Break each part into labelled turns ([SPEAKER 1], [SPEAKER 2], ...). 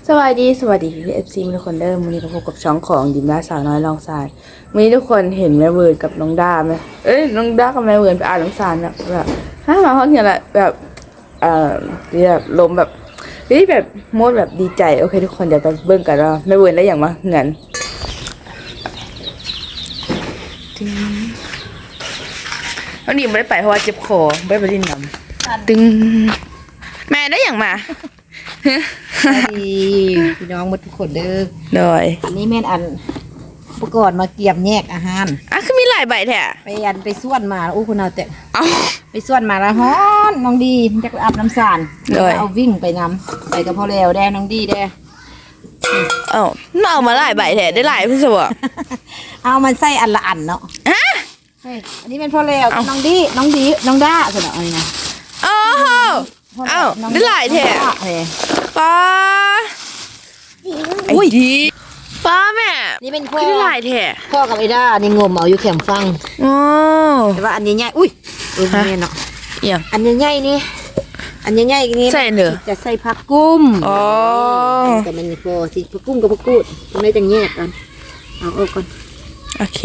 [SPEAKER 1] สวัสดีพี่FCทุกคนเด้อวันนี้ก็พบกับช่องของดิมด้าสาวน้อยลองทรายวันนี้ทุกคนเห็นแม่เวิร์นกับน้องด้าไหมน้องด้ากับแม่เวิร์นไปอ่านน้องสารแบบมาห้องเนี่ยแหละแบบแบบลมแบบแบบโมดแบบดีใจโอเคทุกคนเดี๋ยวไปเบิ่งกันว่าแม่เวิร์นได้อย่างมาเงินน้องดิมไม่ได้ไปเพราะว่าเจ็บคอไม่ได้ไปดิ้นน้ำตึงแม่ได้อย่างมา
[SPEAKER 2] ดีพี่น้องหมดทุกคนเด้อ
[SPEAKER 1] โดย
[SPEAKER 2] อันนี้แม่นอันอุปกรณ์มาเกี่ยมแยกอาหาร
[SPEAKER 1] คือมีหลายใบแท้
[SPEAKER 2] ไปส่วนมาอู้คุณเอาแต่
[SPEAKER 1] เอา
[SPEAKER 2] ไปส่วนมาแล้วฮ้อนน้องดีจะอาบน้ำสารเอาวิ่งไปน้ำไปกับพ่อแล้วแดน้องดีแด
[SPEAKER 1] เอามาหลายใบแท้ได้หลายพี่สวะ
[SPEAKER 2] เอามันใส่อันละอันเนาะอันนี้เป็นพ่อแล้วน้องดีน้องด้าสนออะไรนะ
[SPEAKER 1] ได้หลายแท้ป้าอุ้ยป้าแม่
[SPEAKER 2] นี่เป็นพ่อ
[SPEAKER 1] ได้หลายแท้
[SPEAKER 2] พ่อกับไอ้ด้านี่งมเอาอยู่แคมฟังแต่ว่าอันใหญ่ๆอุ้ยนี่เนาะอันใหญ่ๆนี่อันใหญ่ๆนี่
[SPEAKER 1] ใส่เนื้อ
[SPEAKER 2] จะใส่ผักกุ้มแต่มันพอสิผักกุ้มกับผักกูดทำไมจังแยกกันเอาออกก่อน
[SPEAKER 1] โอเค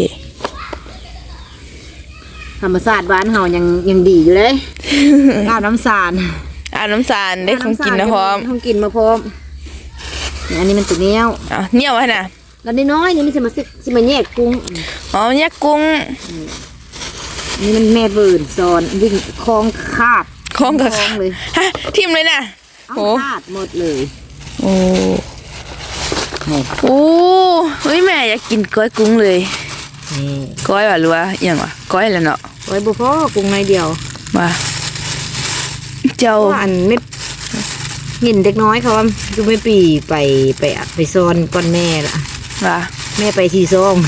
[SPEAKER 2] ธรรมชาติบ้านเฮายังดีอยู่เลยอาบน้ำสาร
[SPEAKER 1] ได้ของกินนะพร้อม
[SPEAKER 2] ของกินมาพร้อมอันนี้มันตัวเนี้ยว
[SPEAKER 1] เนี้ยวไว้นะ
[SPEAKER 2] แล้วน้อยนี่มันจะมาแยกกุ้ง
[SPEAKER 1] แยกกุ้ง
[SPEAKER 2] นี่มันแม่เบิร์นซอนวิ่งคลองขาด
[SPEAKER 1] เลยทิมเลยนะ
[SPEAKER 2] ขาดหมดเลย
[SPEAKER 1] โอ้แม่อยากกินก้อยกุ้งเลยก้อยว่ะหรือว่าอย่างวะก้อยแล้วเนาะ
[SPEAKER 2] ก้อยบุฟเกุ้งในเดียว
[SPEAKER 1] มาเจ้า
[SPEAKER 2] อันไม่เห็นเด็กน้อยเขาว่าดูไม่ปีไปซอนก้อนแม่ละ
[SPEAKER 1] ว่า
[SPEAKER 2] แม่ไปทีซ่อง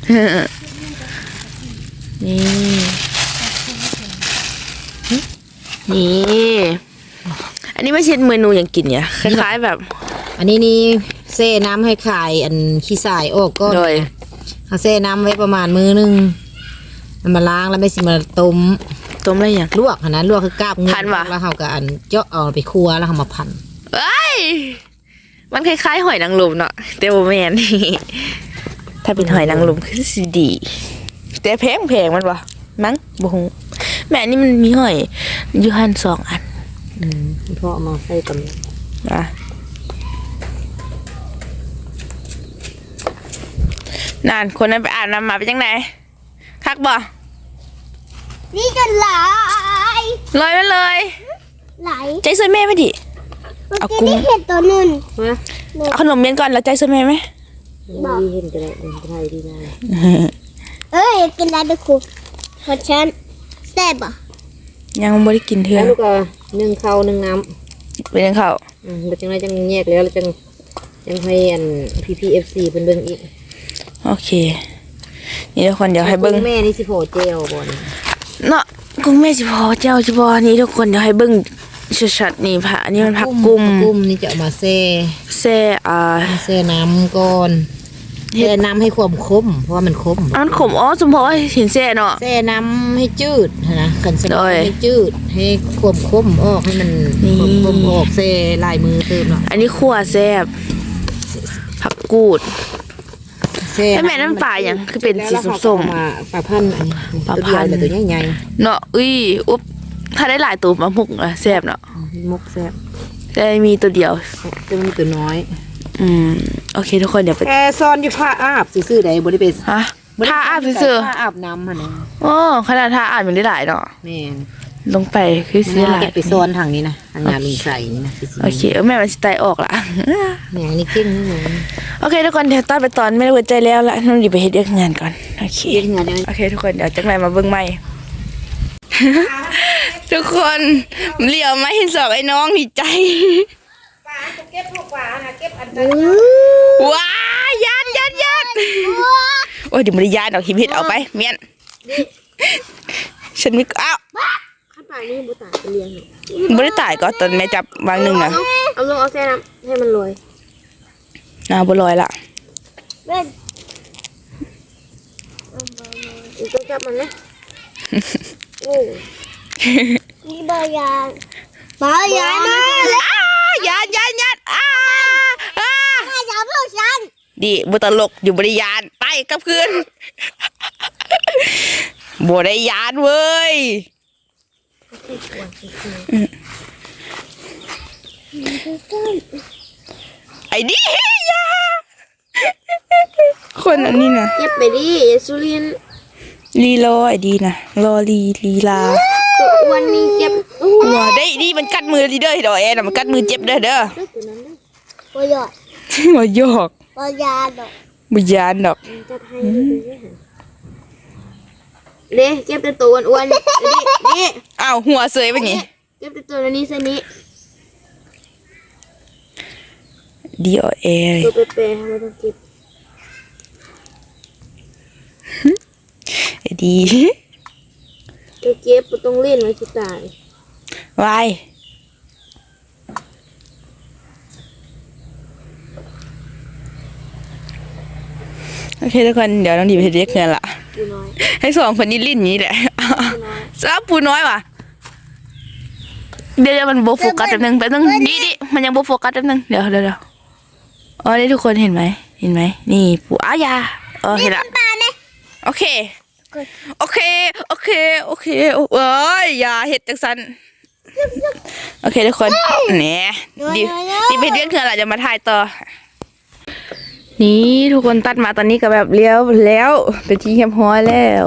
[SPEAKER 1] นี่อันนี้ไม่ใช่เมนูอย่างกินเนี่ยคล้ายๆแบบ
[SPEAKER 2] อันนี้นี่เซ่น้ำให้ขายอันขี้ทรายออกก็เอาเซ่น้ำไว้ประมาณมื้อนึงมันมาล้างแล้วไม่สิมาต้ม
[SPEAKER 1] อะไรอย่าง
[SPEAKER 2] ลวกนะลวกคือกาบเงินแล้วเขาก็อันเจาะเอาไปครัวแล้วเขามาพัน
[SPEAKER 1] มันคล้ายๆหอยนางรมเนาะแต่โบแมนถ้าเป็นหอยนางรมคือสีดีแต่แพงมันวะมั้งบุ้งแม่นี่มันมีหอยยูฮัน2 อัน
[SPEAKER 2] พ่อมาใส่กัน
[SPEAKER 1] นานคนนั้นไปอาบน้ำมาไปจังไหนคักบ่
[SPEAKER 3] นี่กันไหล
[SPEAKER 1] ไปเลย
[SPEAKER 3] ไหล
[SPEAKER 1] ใจช่วยแม่ไม่ดิ
[SPEAKER 3] เอากุ้งเห็นตัวนึง
[SPEAKER 1] เอาขนมเย็นก่อนแล้วใจช่วยแม่ไหม
[SPEAKER 2] บอกเห็นกันเลยเป็นไทยดีนะ
[SPEAKER 3] กินอะไรไปคุกขอฉันแซ่บอ่ะ
[SPEAKER 1] ยังไม่ได้กินเถื่อน
[SPEAKER 2] ลูกนึ่งข้าวนึ่งน้
[SPEAKER 1] ำเป็นยังข้าว
[SPEAKER 2] เราจังไรจังแยกแล้วเราจังให้อันPPFC เป็นเบิ้งอีก
[SPEAKER 1] โอเคนี่ทุกคนเดี๋ยวให้เบิ้ง
[SPEAKER 2] แม่นี่สิโผเจลบอล
[SPEAKER 1] เนาะกุ้งแม่สิพอเจ้าสิพอนี่ทุกคนเดี๋ยวให้เบิ้งชัดๆนี่ผักนี่มันผักกุ้ม
[SPEAKER 2] นี่จะเอามาแ
[SPEAKER 1] ช่
[SPEAKER 2] น้ำก่อนแช่น้ำให้ความขมเพราะว่ามันขม
[SPEAKER 1] มันขมสมพอเห็นแช่เนาะ
[SPEAKER 2] แช่น้ำให้จืดนะขันแช่ให้จืดให้ความขมออกให้มันขมออกแช่ลายมือเติมเนาะ
[SPEAKER 1] อันนี้ขั่วแซ่บผักกูดแล้วแม่น้ำปลาอย่างคือเป็นสีส้ม
[SPEAKER 2] ๆปลาพันธุ์ตัวเดียวแต่ตัวใหญ่
[SPEAKER 1] ๆเนาะอุ๊บถ้าได้หลายตัวมามุกแซ่บเนาะ
[SPEAKER 2] มุกแซ่บ
[SPEAKER 1] แต่มีตัวเดียว
[SPEAKER 2] จะมีตัวน้อย
[SPEAKER 1] โอเคทุกคนเดี๋ยวไป
[SPEAKER 2] แอร์ซอนอยู่ผ้าอาบซื้อๆได้บริเวณ
[SPEAKER 1] ผ้าอาบซื้อ
[SPEAKER 2] ผ้าอาบน้ำมัน
[SPEAKER 1] ขนาดผ้าอาบมันได้หลายเนาะ
[SPEAKER 2] แม่
[SPEAKER 1] ลงไปคือซื้อหลาย
[SPEAKER 2] ไปโซนทางนี้นะทางงานลุงใส่นี่นะ
[SPEAKER 1] โอเคแม่มันสไตล์ออกละ
[SPEAKER 2] เนี่ยนี่เก่งนี่เลย
[SPEAKER 1] โอเคทุกคนเดี๋ยวตอนไปตอนไม่ได้หัวใจแล้วละน้องดีไปเฮ็ดงานก่อนโอเคโอเคทุกคนเดี๋ยวจังไรมาเบิ่งใหม่ทุกคนเหลียวมาเห็นสองไอ้น้องดีใจ
[SPEAKER 2] เก็บพวกปลานะเก็บอัน
[SPEAKER 1] ว้ายันโอ้ยเดี๋ยวมันยานดอกหิมเห็ดเอาไปเมียนฉันไม่อ้าว
[SPEAKER 2] ข้าวปลานี่บุตรเลี้ยง
[SPEAKER 1] ไม่ได้ตายก็ตอนแม่จับวางหนึ่งนะ
[SPEAKER 2] เอาลงเอาแช่น้ำให้มันลอย
[SPEAKER 1] บัวลอยละ
[SPEAKER 2] ต้องจับมันนะ
[SPEAKER 3] นี่บายานนะ
[SPEAKER 1] ยันดิบ่ตลกอยู่บริยานไปกลับคืน บ่ได้ยานเว้ยไอ้ดิยาคนอันนี้นะ
[SPEAKER 2] เก็บไปดิสุรินทร์
[SPEAKER 1] ลีโลไอ้ดีนะรอลีลา
[SPEAKER 2] ตัวอ้วนนี่เจ็บ
[SPEAKER 1] หัวได้ดีมันกัดมือดีเด้อดอกแอนมันกัดมือเจ็บเด้อ
[SPEAKER 2] ตัวนั้นนะ
[SPEAKER 3] ปอยอด
[SPEAKER 1] หัวโยก
[SPEAKER 3] ปอยาดอก
[SPEAKER 1] บ่ยานดอก
[SPEAKER 2] จะให้เด้เก็บแต่ตัวอ้วนๆนี่
[SPEAKER 1] อ้าวหัวเสยไปนี่
[SPEAKER 2] เก็บแต่ตัวนี้เส้นนี้
[SPEAKER 1] ดีอแอ
[SPEAKER 2] ตัวเป๊ะๆไม่ต้องเก็บ
[SPEAKER 1] ไอ้ดี
[SPEAKER 2] ตัวเก็บบ่ต้องเล่นไว้สิตายว
[SPEAKER 1] ายโอเคทุกคนเดี๋ยวน้องดีไปเรียกเงินละ
[SPEAKER 2] ปูน้อย
[SPEAKER 1] ให้สองคนนี้ลิ้นนี้แหละ
[SPEAKER 2] ปูน้อย
[SPEAKER 1] จ้าปูน้อยว่ะเดี๋ยวมันโบโฟกัสแป๊บนึงดิมันยังโบโฟกัสแป๊บนึงเดี๋ยวอ๋อนี่ทุกคนเห็นไหมนี่ปูอายาเห็นละ
[SPEAKER 3] ปลาเนี่ย
[SPEAKER 1] โอเคเอ้ยอย่าเห็ดจังสันโอเคทุกคนเนี่ยดิไปเรียกเธอละจะมาถ่ายต่อนี่ทุกคนตัดมาตอนนี้ก็แบบเลี้ยวแล้วเป็นที่เรียบร้อยแล้ว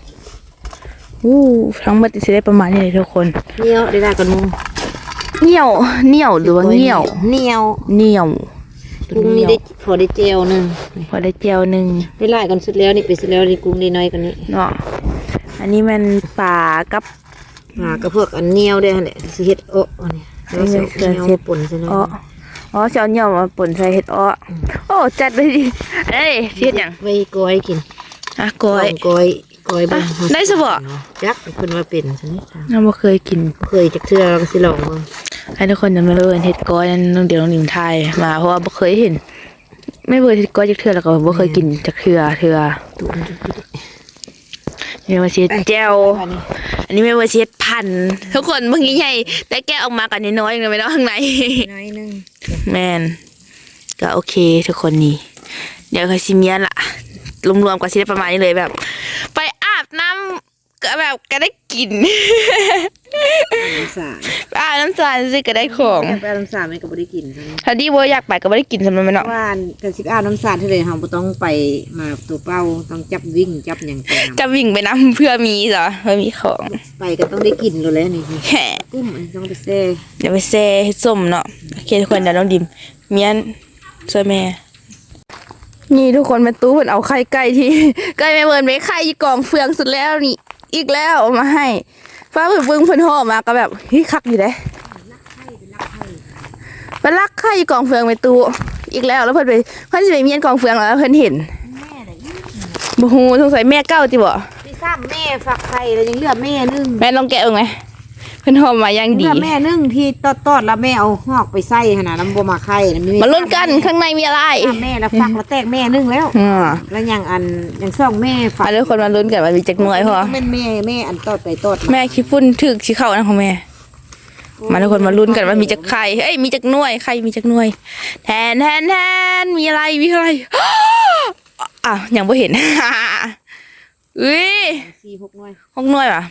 [SPEAKER 1] ทั้งหมดจะได้ประมาณนี้เลยทุกคน
[SPEAKER 2] เหนียวได้กันมู
[SPEAKER 1] เหนียวหรือว่าเหนียว
[SPEAKER 2] เหนียว
[SPEAKER 1] กุ้ง
[SPEAKER 2] นี่ได้พอได้เจลนึง
[SPEAKER 1] พอได้เจียวหนึ่ง
[SPEAKER 2] ได้หลายกันสุดแล้วนี่ไปสุดแล้วนี่กุ้งได้น้อยกันนี้
[SPEAKER 1] เนาะอันนี้มันป่ากับ
[SPEAKER 2] ก็พวกอันเหนียวได้หั่นแหละสิเฮ็ดโอ้อันนี้แล้วสิเหนียวป่นซะหน่อย
[SPEAKER 1] อ๋อเจ้าเหนียวมาป่นใส่เห็ดโอ้จัดไปดิเอ้ยเฮ็ดหยัง
[SPEAKER 2] ไว้ก้อยกิน
[SPEAKER 1] ก้อย
[SPEAKER 2] ก้อยบ้าง
[SPEAKER 1] ได้ซะบ่
[SPEAKER 2] จักเพิ่นว่าเป็นซั่นนี่จ้ะ
[SPEAKER 1] เราบ่เคยกิน
[SPEAKER 2] เคยจักเทื่อเราก็สิลองเบิ่ง
[SPEAKER 1] ให้ทุกคนจำมาเลยเห็ดก้อยนั่นน้องเดี๋ยวน้องหนิงไทยมาเพราะว่าบ่เคยเห็น ไม่เคยเห็ดก้อยจากเทื่อแล้วก็บ่เคยกินจากเทื่อ
[SPEAKER 2] ตุนจุด
[SPEAKER 1] นี่มาเช็ดแจ่วอันนี้ไม่ว่าเช็ดพันทุกคนเมื่อกี้ใหญ่แต่แกะออกมากันน้อยๆยังไม่ได้ข้างใน
[SPEAKER 2] น้อยนึง
[SPEAKER 1] แมนก็โอเคทุกคนนี่เดี๋ยวคาซิเมียนละรวมๆก็สิได้ประมาณนี้เลยแบบ ไปอาบน้ำก็แบบก็ได้กิน
[SPEAKER 2] สาร
[SPEAKER 1] ไปอาบน้ำสารสิก็ได้ของ
[SPEAKER 2] ไปน้ำสารมันก็บ่ได้กินซั่น
[SPEAKER 1] ถ้าดีบ่อยากไปก็บ่ได้กินสำหรับมันเนาะ
[SPEAKER 2] ว่ากันสิอาบน้ำสารเท่าใดเฮาบ่ต้องไปมาตัวเป้าต้องจับวิ่งจับหยังไปนำ
[SPEAKER 1] จะวิ่งไปน้ำเพื่อมีเหรอเพื่อมีของ
[SPEAKER 2] ไปก็ต้องได้กินแล้วนี่
[SPEAKER 1] แหม
[SPEAKER 2] กุ้มอันนี้ต้องไปแซ่
[SPEAKER 1] เดี๋ยวไปแซ่ให้ส้มเนาะโอเคทุกคนเดี๋ยวน้องดิมเมียนช่วยแม่นี่ทุกคนแม่ตู้เพิ่นเอาไข่ไก่ที่ ไก่แม่เบิร์นไปไข่ยี่กองเฟืองสุดแล้วนี่อีกแล้วเอามาให้ฟ้าเพิ่นเบิ่งเพิ่นห่อมาก็แบบเฮ้ยคักอยู่เด้ไปลักไข่ยี่กองเฟืองแม่ตู้อีกแล้วแล้วเพิ่นสิไปเมียนกองเฟืองแล้วเพิ่นเห็นบ่ฮู้สงสัยแม่เก่าติบ่
[SPEAKER 2] ที่ซ้ำแม่ฝักไข่แล้วยังเหลือแม่นึง
[SPEAKER 1] แม่ลองแกะเบิ่งไหมเพิ่นห่อมาอย่าง
[SPEAKER 2] เหลื
[SPEAKER 1] ดี
[SPEAKER 2] อแม่นึงที่ตอดแล้วแม่เอาหอกไปใส่หั่นน่ะแล้วบ่มาไข่นะ
[SPEAKER 1] มาลุ้นกันข้างในมีอะไร
[SPEAKER 2] แม่แล้วฝักแล้วแตกแม่นึงแล้ว แล้วยังยังซ่องแม่ฝัก
[SPEAKER 1] ทุกคนมาลุ้นกันว่ามีจักหน่วยพอ
[SPEAKER 2] แม่แม่อันตอดไปตอด
[SPEAKER 1] แม่ขี้ฝุ่นถึกขี้เข้านะของแม่ มาทุกคนมาลุ้นกันว่ามีจักไข่เอ้ยมีจักหน่วยไข่มีจักหน่วยแทนมีอะไร อ้าวยังบ่เห็น อุ้ย
[SPEAKER 2] 4-6หน่วย
[SPEAKER 1] 6หน่วยว่ะ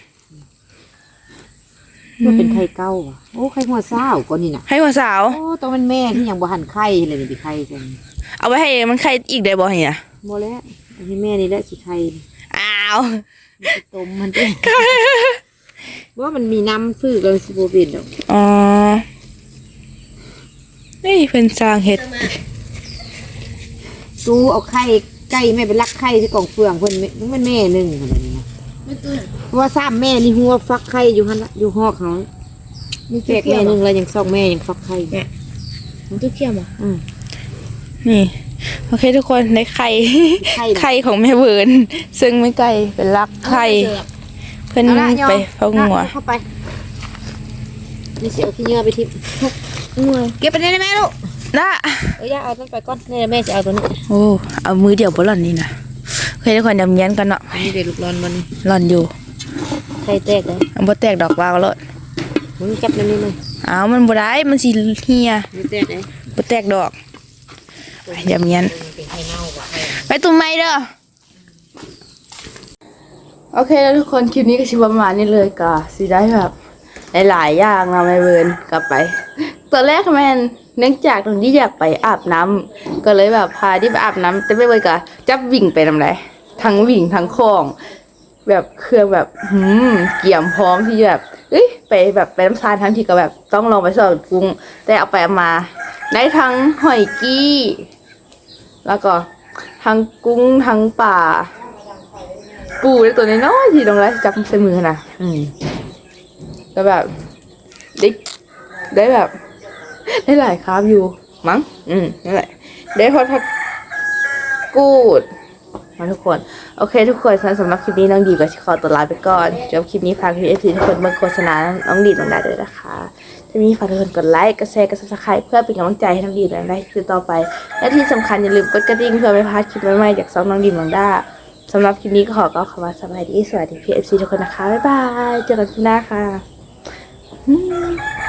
[SPEAKER 2] มันเป็นไข่เก่าว่ะโอ้ไข่หัวเศร้าก่อนนี่น่ะ
[SPEAKER 1] ให้หัวสาว
[SPEAKER 2] โอ้ต้องเป็นแม่ที่ยังบ่หันไข่เลยนี่ไข่จัง
[SPEAKER 1] เอาไว้ให้มันไข่อีกได้บ่เนี่ย
[SPEAKER 2] บ่แล้วอันนี้แม่นี่แหละสิไข่
[SPEAKER 1] อ้าว
[SPEAKER 2] ต้มมันเด้ว่ามันมีน้ำฟื้นกันสิบ่เป็นดอก
[SPEAKER 1] อ๋อนี่เพิ่นสร้างเฮ็ด
[SPEAKER 2] ตู้เอาไข่ไก่แม่ไปลักไข่ที่กองเฟืองเพิ่นมันแม่นึงขนาดนี้นะเพราะว่าซ้ำแม่นี่หัวฟักไข่อยู่หั่นละอยู่หอกเขานี่แจกแม่นึงแล้วยังซ่องแม่ยังฟักไข่
[SPEAKER 3] มันตู้เขียวอ่ะ
[SPEAKER 1] นี่โอเคทุกคนได้ไข่ ไข่ของแม่เวิร์นซึ่งไม่ไกลเป็นรักไข่เพิ่นไปเฝ้างัว
[SPEAKER 2] เข้าไปนี่สิเอาขี้เหงื่อไปทิ่มเก็บไปได้ไหมลูก
[SPEAKER 1] น่ะ
[SPEAKER 2] ย่าเอาต้นไปก่อนนี่แม่จะเอาตัวนี้
[SPEAKER 1] โอ้เอามือเดียวบ่หล่อนนี่นะโอเคทุกคนดำเนียนกันเนาะ
[SPEAKER 2] อันนี้เด็กลูกร้อนมัน
[SPEAKER 1] หล่อนอยู่
[SPEAKER 2] ไข่แตกเลย
[SPEAKER 1] อันบ่แตกดอกวาวแล้ว
[SPEAKER 2] มึงจับน้ำนี่เลย
[SPEAKER 1] อ้าวมันบ่ได้มันสิเหีย
[SPEAKER 2] ไม่แตกเลย
[SPEAKER 1] บ่แตกดอกอย่าเมียน
[SPEAKER 2] เป็นไข่เน่าว่ะ
[SPEAKER 1] ไปตุ้มไม้เด้อโอเคแล้วทุกคนคลิปนี้ก็ชิประมาณนี้เลยก็สิได้แบบหลายๆอย่างเราไม่เวิร์นกลับไปตอนแรกแมนเนื่องจากตรงที่อยากไปอาบน้ำก็เลยแบบพาที่ไปอาบน้ำแต่ไม่เวิร์นก็จับวิ่งไปทำไรทั้งวิ่งทั้งคลอง แบบเครื่องแบบเกี่ยมพร้อมที่แบบไปแบบไปน้ำซานทั้งที่ก็แบบต้องลองไปสอบกุ้งแต่เอาไปเอามา ได้ทั้งหอยกี้แล้วก็ทั้งกุ้งทั้งป่าปูได้ตัวน้อยๆที่ตรงไรจับใส่มือนะก็แบบได้แบบ ได้หลายคราบอยู่มั้งนั่นแหละได้พอทักกูดมาทุกคนโอเคทุกคนสำหรับคลิปนี้น้องดีก็ขอตัวลาไปก่อนจบคลิปนี้ฝากพี่ทุกคนเบิ่งโฆษณาน้องดีน้องดาด้วยนะคะถ้ามีฝากทุกคนกดไลค์กดแชร์กด Subscribe เพื่อเป็นกำลังใจให้น้องดีและได้คลิปต่อไปและที่สำคัญอย่าลืมกดกระดิ่งเพื่อไม่พลาดคลิปใหม่ๆจากซองน้องดีน้องดาสำหรับคลิปนี้ก็ขอกล่าวคำว่าสวัสดีพี่ทุกคนนะคะบ๊ายบายเจอกันคลิปหน้าค่ะ